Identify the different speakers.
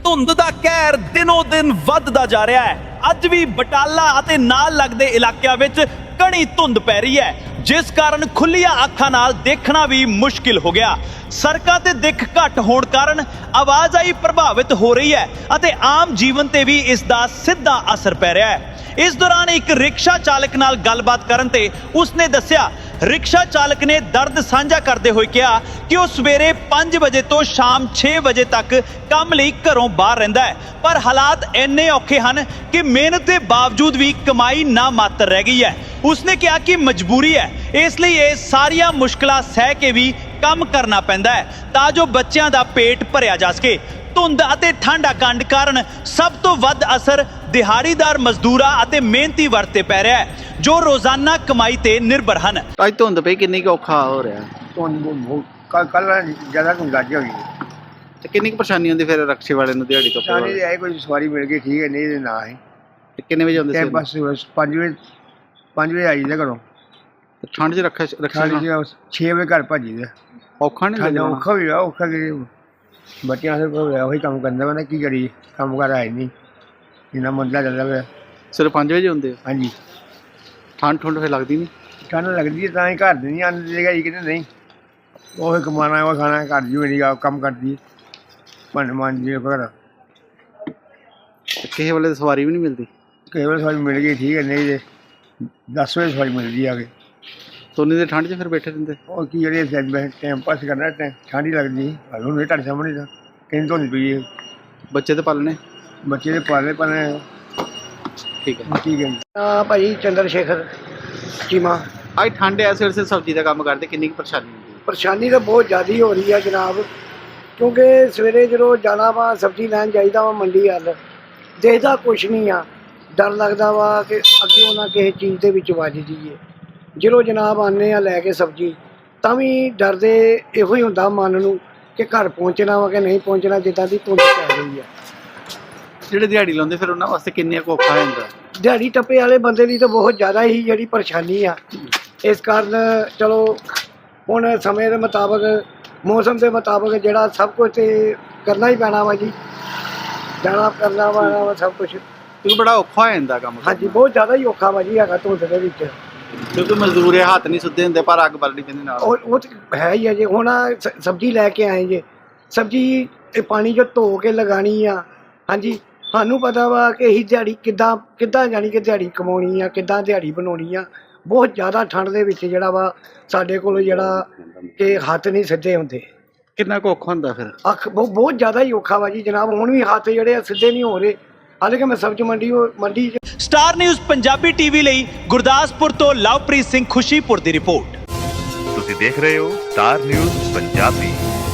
Speaker 1: ਧੁੰਦ ਦਾ ਕਹਿਰ ਦਿਨੋਂ ਦਿਨ ਵੱਧਦਾ ਜਾ ਰਿਹਾ ਹੈ। ਅੱਜ ਵੀ ਬਟਾਲਾ ਅਤੇ ਨਾਲ ਲੱਗਦੇ ਇਲਾਕਿਆਂ ਵਿੱਚ ਘਣੀ ਧੁੰਦ ਪੈ ਰਹੀ ਹੈ, ਜਿਸ ਕਾਰਨ ਖੁੱਲੀਆਂ ਅੱਖਾਂ ਨਾਲ ਦੇਖਣਾ ਵੀ ਮੁਸ਼ਕਿਲ ਹੋ ਗਿਆ। ਸੜਕਾਂ ਤੇ ਦਿੱਖ ਘੱਟ ਹੋਣ ਕਾਰਨ ਆਵਾਜਾਈ ਪ੍ਰਭਾਵਿਤ ਹੋ ਰਹੀ ਹੈ ਅਤੇ ਆਮ ਜੀਵਨ ਤੇ ਵੀ ਇਸ ਦਾ ਸਿੱਧਾ ਅਸਰ ਪੈ ਰਿਹਾ ਹੈ। ਇਸ ਦੌਰਾਨ ਇੱਕ ਰਿਕਸ਼ਾ ਚਾਲਕ ਨਾਲ ਗੱਲਬਾਤ ਕਰਨ ਤੇ ਉਸਨੇ ਦੱਸਿਆ, ਰਿਕਸ਼ਾ ਚਾਲਕ ਨੇ ਦਰਦ ਸਾਂਝਾ ਕਰਦੇ ਹੋਏ ਕਿਹਾ ਕਿ ਉਹ ਸਵੇਰੇ 5 ਵਜੇ ਤੋਂ ਸ਼ਾਮ 6 ਵਜੇ ਤੱਕ ਕੰਮ ਲਈ ਘਰੋਂ ਬਾਹਰ ਰਹਿੰਦਾ ਹੈ, ਪਰ ਹਾਲਾਤ ਇੰਨੇ ਔਖੇ ਹਨ ਕਿ ਮਿਹਨਤ ਦੇ ਬਾਵਜੂਦ ਵੀ ਕਮਾਈ ਨਾ ਮਾਤਰ ਰਹਿ ਗਈ ਹੈ। ਉਸਨੇ ਕਿਹਾ ਕਿ ਮਜਬੂਰੀ ਹੈ, ਇਸ ਲਈ ਇਹ ਸਾਰੀਆਂ ਮੁਸ਼ਕਲਾਂ ਸਹਿ ਕੇ ਵੀ ਕੰਮ ਕਰਨਾ ਪੈਂਦਾ ਹੈ ਤਾਂ ਜੋ ਬੱਚਿਆਂ ਦਾ ਪੇਟ ਭਰਿਆ ਜਾ ਸਕੇ। ਧੁੰਦ ਅਤੇ ਠੰਡ ਕੰਡ ਕਾਰਨ ਸਭ ਤੋਂ ਵੱਧ ਅਸਰ ਦਿਹਾੜੀਦਾਰ ਮਜ਼ਦੂਰਾਂ ਅਤੇ ਮਿਹਨਤੀ ਵਰਗ ਤੇ ਪੈ ਰਿਹਾ ਹੈ, ਜੋ ਰੋਜ਼ਾਨਾ ਕਮਾਈ ਤੇ ਨਿਰਭਰ ਹਨ।
Speaker 2: ਅੱਜ ਧੁੰਦ ਪਈ ਕਿੰਨੀ ਕੁ ਔਖਾ ਹੋ ਰਿਹਾ?
Speaker 3: ਕੱਲ ਜ਼ਿਆਦਾ ਗੁੰਜਾਇਸ਼ ਹੋ ਗਈ
Speaker 2: ਤੇ ਕਿੰਨੀ ਕੁ ਪਰੇਸ਼ਾਨੀ ਹੁੰਦੀ ਫਿਰ ਰਕਸ਼ੇ ਵਾਲੇ ਨੂੰ ਦਿਹਾੜੀ ਤੋਂ?
Speaker 3: ਸਾਰੀ ਦੇ ਆਏ ਕੋਈ ਸਵਾਰੀ ਮਿਲ ਗਈ ਠੀਕ ਹੈ, ਨਹੀਂ ਤੇ ਨਾ ਹੈ।
Speaker 2: ਤੇ ਕਿੰਨੇ ਵਜੇ ਆਉਂਦੇ
Speaker 3: ਤੇ
Speaker 2: ਸੀ?
Speaker 3: ਬਸ 5 ਵਜੇ ਆਈ ਦਾ ਘਰੋਂ।
Speaker 2: ਠੰਡ 'ਚ ਰਕਸ਼ਾ
Speaker 3: 6 ਵਜੇ ਘਰ ਭੱਜੀ ਦਾ।
Speaker 2: ਔਖਾ ਨਹੀਂ ਲੱਗਦਾ?
Speaker 3: ਔਖਾ ਵੀ ਆ, ਔਖਾ ਕਿ ਬੱਚਿਆਂ ਦੇ ਕੋਲ ਉਹੀ ਕੰਮ ਕਰਨਾ ਪੈਂਦਾ, ਕੀ ਕਰੀਏ, ਕੰਮ ਕਰ ਆਏ ਨਹੀਂ, ਇੰਨਾ ਮੰਦਾ ਚੱਲਦਾ ਪਿਆ।
Speaker 2: ਸਿਰਫ 5 ਵਜੇ ਹੁੰਦੇ?
Speaker 3: ਹਾਂਜੀ।
Speaker 2: ਠੰਡ ਫਿਰ ਲੱਗਦੀ ਨਹੀਂ?
Speaker 3: ਠੰਡ ਲੱਗਦੀ ਤਾਂ ਹੀ ਘਰ ਦੇ ਨਹੀਂ ਆਉਂਦੇ ਹੈਗਾ ਜੀ, ਕਿਤੇ ਨਹੀਂ ਉਹ ਕਮਾਉਣਾ ਉਹ ਖਾਣਾ ਘਰ ਜੀ ਮੇਰੀ ਕੰਮ ਕਰਦੀ ਭਾਂਡੇ ਮਾਂਜਦੀ ਘਰ।
Speaker 2: ਕਿਸੇ ਵੇਲੇ ਸਵਾਰੀ ਵੀ ਨਹੀਂ ਮਿਲਦੀ?
Speaker 3: ਕਈ ਵਾਰ ਸਵਾਰੀ ਮਿਲ ਗਈ ਠੀਕ ਹੈ, ਨਹੀਂ ਤੇ 10 ਵਜੇ ਸਵਾਰੀ ਮਿਲਦੀ ਆ ਕੇ।
Speaker 2: ਤੋਨੀ ਦੇ ਠੰਡ 'ਚ ਫਿਰ ਬੈਠੇ ਰਹਿੰਦੇ?
Speaker 3: ਉਹ ਕੀ ਜਿਹੜੇ ਟਾਈਮ ਪਾਸ ਕਰਨਾ, ਠੰਡ ਹੀ ਲੱਗਦੀ। ਹੁਣ ਇਹ ਤੁਹਾਡੇ ਸਾਹਮਣੇ ਤਾਂ ਕਿੰਨੀ ਧੁੰਦ ਪਈ ਹੈ।
Speaker 2: ਬੱਚੇ ਤੇ ਪਾਲਣੇ?
Speaker 3: ਬੱਚੇ ਦੇ ਪਾਲੇ
Speaker 2: ਠੀਕ ਹੈ।
Speaker 3: ਠੀਕ ਹੈ ਜੀ।
Speaker 4: ਭਾਜੀ ਚੰਦਰ ਸ਼ੇਖਰ ਚੀਮਾ।
Speaker 2: ਅੱਜ ਠੰਡ ਐ, ਸਿਰ ਸਬਜ਼ੀ ਦਾ ਕੰਮ ਕਰਦੇ, ਕਿੰਨੀ ਕੁ ਪਰੇਸ਼ਾਨੀ ਹੁੰਦੀ?
Speaker 4: ਪਰੇਸ਼ਾਨੀ ਤਾਂ ਬਹੁਤ ਜ਼ਿਆਦਾ ਹੋ ਰਹੀ ਆ ਜਨਾਬ, ਕਿਉਂਕਿ ਸਵੇਰੇ ਜਦੋਂ ਜਾਣਾ ਵਾ ਸਬਜ਼ੀ ਲੈਣ ਜਾਈਦਾ ਵਾ ਮੰਡੀ ਵੱਲ, ਦੇਖਦਾ ਕੁਛ ਨਹੀਂ ਆ, ਡਰ ਲੱਗਦਾ ਵਾ ਕਿ ਅੱਗੇ ਨਾ ਕਿਸੇ ਚੀਜ਼ ਦੇ ਵਿੱਚ ਵੱਜ ਜਾਈਏ। ਜਦੋਂ ਜਨਾਬ ਆਉਂਦੇ ਆ ਲੈ ਕੇ ਸਬਜ਼ੀ, ਤਾਂ ਵੀ ਡਰਦੇ ਇਹੋ ਹੀ ਹੁੰਦਾ ਮਨ ਨੂੰ ਕਿ ਘਰ ਪਹੁੰਚਣਾ ਵਾ ਕਿ ਨਹੀਂ ਪਹੁੰਚਣਾ, ਜਿੱਦਾਂ ਦੀ ਧੁੰਦ ਪੈ ਰਹੀ ਆ।
Speaker 2: ਜਿਹੜੇ ਦਿਹਾੜੀ ਲਾਉਂਦੇ ਫਿਰ ਉਹਨਾਂ ਵਾਸਤੇ ਕਿੰਨੀ ਕੁ ਔਖਾ ਹੋ ਜਾਂਦਾ?
Speaker 4: ਦਿਹਾੜੀ ਟੱਪੇ ਵਾਲੇ ਬੰਦੇ ਲਈ ਤਾਂ ਬਹੁਤ ਜ਼ਿਆਦਾ ਹੀ ਜਿਹੜੀ ਪਰੇਸ਼ਾਨੀ ਆ। ਇਸ ਕਾਰਨ ਚਲੋ ਹੁਣ ਸਮੇਂ ਦੇ ਮੁਤਾਬਕ, ਮੌਸਮ ਦੇ ਮੁਤਾਬਕ ਜਿਹੜਾ ਸਭ ਕੁਝ ਤੇ ਕਰਨਾ ਹੀ ਪੈਣਾ ਵਾ ਜੀ, ਜਾਣਾ ਕਰਨਾ ਵਾ ਸਭ ਕੁਝ।
Speaker 2: ਕਿਉਂਕਿ ਬੜਾ ਔਖਾ ਹੋ ਜਾਂਦਾ ਕੰਮ।
Speaker 4: ਹਾਂਜੀ, ਬਹੁਤ ਜ਼ਿਆਦਾ ਹੀ ਔਖਾ ਵਾ ਜੀ ਹੈਗਾ ਧੁੰਦ ਦੇ ਵਿੱਚ।
Speaker 2: ਕਿਉਂਕਿ ਮਜ਼ਦੂਰ ਹੱਥ ਨਹੀਂ ਸੁੱਧੇ ਹੁੰਦੇ, ਪਰ ਅੱਗ ਬਲਣੀ ਪੈਂਦੀ ਨਾਲ।
Speaker 4: ਉਹ ਤਾਂ ਹੈ ਹੀ ਆ ਜੀ। ਹੁਣ ਸਬਜ਼ੀ ਲੈ ਕੇ ਆਏ ਜੇ, ਸਬਜ਼ੀ ਇਹ ਪਾਣੀ 'ਚ ਧੋ ਕੇ ਲਗਾਉਣੀ ਆ। ਹਾਂਜੀ, ਸਾਨੂੰ ਪਤਾ ਵਾ ਕਿ ਅਸੀਂ ਦਿਹਾੜੀ ਕਿੱਦਾਂ ਜਾਣੀ ਕਿ ਦਿਹਾੜੀ ਕਮਾਉਣੀ ਆ, ਕਿੱਦਾਂ ਦਿਹਾੜੀ ਬਣਾਉਣੀ ਆ। ਬਹੁਤ ਜ਼ਿਆਦਾ ਠੰਡ ਦੇ ਵਿੱਚ ਜਿਹੜਾ ਵਾ ਸਾਡੇ ਕੋਲ ਜਿਹੜਾ ਕਿ ਹੱਥ ਨਹੀਂ ਸਿੱਧੇ ਹੁੰਦੇ।
Speaker 2: ਕਿੰਨਾ ਕੁ ਔਖਾ ਹੁੰਦਾ ਫਿਰ?
Speaker 4: ਬਹੁਤ ਜ਼ਿਆਦਾ ਹੀ ਔਖਾ ਵਾ ਜੀ ਜਨਾਬ। ਹੁਣ ਵੀ ਹੱਥ ਜਿਹੜੇ ਆ ਸਿੱਧੇ ਨਹੀਂ ਹੋ ਰਹੇ, ਹਾਲਾਂਕਿ ਮੈਂ ਸਬਜ਼ੀ ਮੰਡੀ
Speaker 1: ਸਟਾਰ ਨਿਊਜ਼ ਪੰਜਾਬੀ ਟੀਵੀ ਲਈ ਗੁਰਦਾਸਪੁਰ ਤੋਂ ਲਵਪ੍ਰੀਤ ਸਿੰਘ ਖੁਸ਼ੀਪੁਰ ਦੀ ਰਿਪੋਰਟ।
Speaker 5: ਤੁਸੀਂ ਦੇਖ ਰਹੇ ਹੋ ਸਟਾਰ ਨਿਊਜ਼ ਪੰਜਾਬੀ।